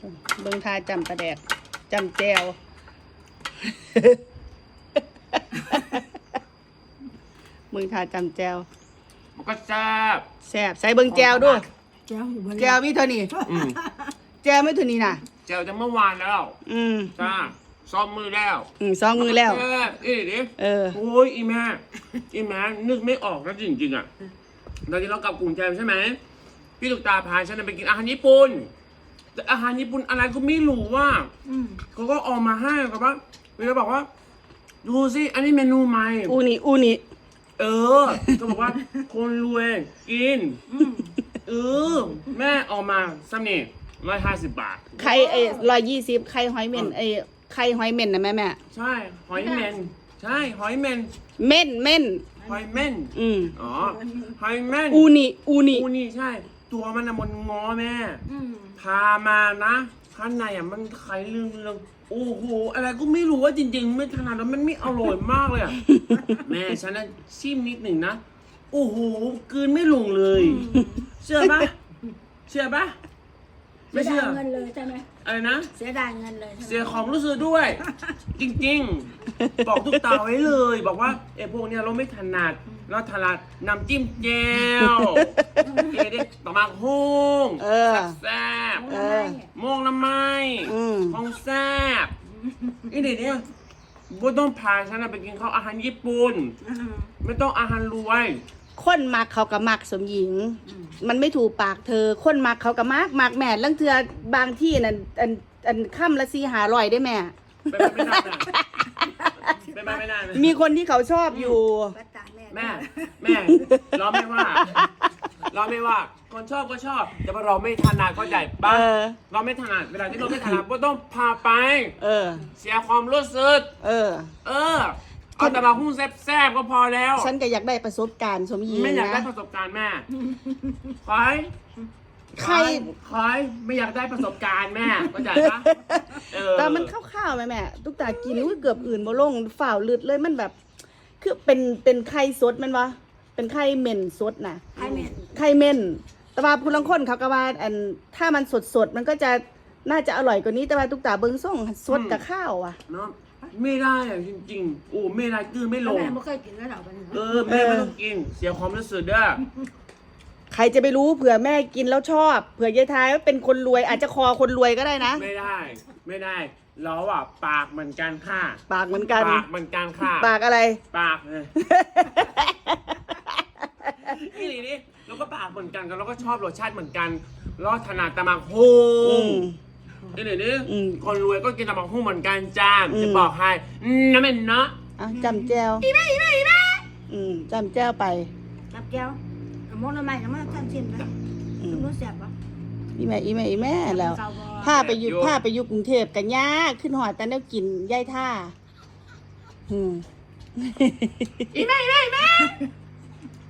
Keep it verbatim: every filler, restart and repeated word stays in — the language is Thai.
เบิ่งทาจำประแดกจำแจวเบิ่งทาจำแจวมันก็แซ่บแซ่บใส่เบิ่งแจวด้วยแก้วอยู่บนแจวมีเท่านี้อืมแจวไม่เท่านี้น่ะเจลจะเมื่อวานแล้วอืมจ้าซ้อมมือแล้วอืมสองมือแล้วแซ่บเอ้ยดิเออโอ้ยอีแม่อีแม่นึกไม่ออกนะจริงๆอ่ะตอนที่เรากลับกรุงเทพใช่ไหมพี่ลูกตาพาฉันไปกินอาหารญี่ปุ่นแต่อาหารญี่ปุ่นอะไรก็ไม่รู้ว่าอืมเขาก็เออกมาให้กับว่าเวลาบอกว่า ดูสิอันนี้เมนูใหม่อูนิอูนิเออก็บอกว่าคนรวยกินอืมเออแม่เออกมาซ้ำนี่ร้อยห้าสิบบาทไข่ไอ้ร้อยยี่สิบไข่หอยเม่นไอ้ไข่หอยเม่นนะแม่แม่ใช่หอยเมนใช่หอยเมนเม่นเม่นหอยเมนอืมอ๋อหอยเมนอูนิอูนิอูนี่ใช่ ตัวมันอะมันงอแม่อืมพามานะข้างในอ่ะมันไข่เรื่องเรื่องโอ้โหอะไรก็ไม่รู้ว่าจริงๆ ไม่ถนัดแล้วมันไม่อร่อยมากเลยอ่ะ แม่ฉันน่ะชิมนิดหนึ่งนะโอ้โหกลืนไม่ลงเลย เชื่อปะเชื่อปะเสีไม่ยเชื่ดาอยเงินเลยใช่ไหมอะไรนะเสียดายเงินเลยใช่ไหมเสียของรู้สึกด้วย จริงๆ บอกทุกตาไว้เลย บอกว่าไอ้พวกเนี้ยเราไม่ถนัดเราถนัดน้ำจิ้มแจ่วเอเด็กต่อมาฮงเออแซ่บเออๆโมงละไม้อืมของแซ่บอีเด็กเนี่ยบ่ต้องพาฉันนะไปกินข้าวอาหารญี่ปุ่นอืมไม่ต้องอาหารรวยคนมักเขากับมักสมหญิงอืมมันไม่ถูกปากเธอ คนมักเขากับมักมักแม่ลังเทือบางที่นั่นอันอันค่ำละสี่หาร้อยได้แม่เป็นไปไม่ได้นะเป็นไปไม่ได้นะมีคนที่เขาชอบอยู่วัดตาแม่แม่ แม่เราไม่ว่า เราไม่ว่า คนชอบก็ชอบ แต่ว่าเราไม่ถนัดก็ใจปะเออเราไม่ถนัดเวลาที่เราไม่ถนัดก็ต้องพาไปเออเสียความรู้สึกเออเออ เอาแต่มาหุ้นแซ่บๆก็พอแล้วฉันก็อยากได้ประสบการณ์สมหญิงไม่อยากได้นะประสบการณ์แม่คอยใครคอยไม่อยากได้ประสบการณ์แม่เข้าใจปะเออแต่มันข้าวๆไหมแม่ทุกตากินอุ้ยเกือบอื่นบ่ลงฝ่าวลืดเลยมันแบบ คือเป็นเป็นไข่สดมันวะเป็นไข่เม่นสดนะไข่เหม็นไข่เม่นแต่ว่าผู้ลังคนเขาก็ว่าอันถ้ามันสดสดๆมันก็จะน่าจะอร่อยกว่านี้แต่ว่าทุกตาเบิ้งส่งสดกับข้าวอ่ะเนาะไม่ได้อะจริงๆโอ้ไม่ได้กือไม่ลงแม่ไม่เคยกินแล้วเหรอวันนี้เออแม่ไม่ต้องกิน เสียความรู้สึกเด้อใครจะไปรู้เผื่อแม่กินแล้วชอบเผื่อยายทายว่าเป็นคนรวยอาจจะคอคนรวยก็ได้นะไม่ได้ ไม่ได้เราอ่ะปากเหมือนกันค่ะปากเหมือนกันปากเหมือนกันค่ะปากอะไรปากเลยนี่นี่เราก็ปากเหมือนกันกันเราก็ชอบรสชาติเหมือนกันเราถนัดตะมักฮูอืมนี่นี่นี่อืมคนรวยก็กินตะมักฮูเหมือนกันจ้าอืมจะบอกให้อืมน้ำมันเนาะอ่ะจำแจวอีแม่อีแม่อีแม่อืมจำแจวไปกับแก้วเอามองทำไมทำไมท่านชิมนะอืมรู้เสียบปะอีแม่อีแม่อีแม่แล้วเก่าบ่พาไปอยู่พาไปอยู่กรุงเทพกันยากขึ้นหอดแต่แล้วกินย่ายท่าอืมอีแม่อีแม่อีแม่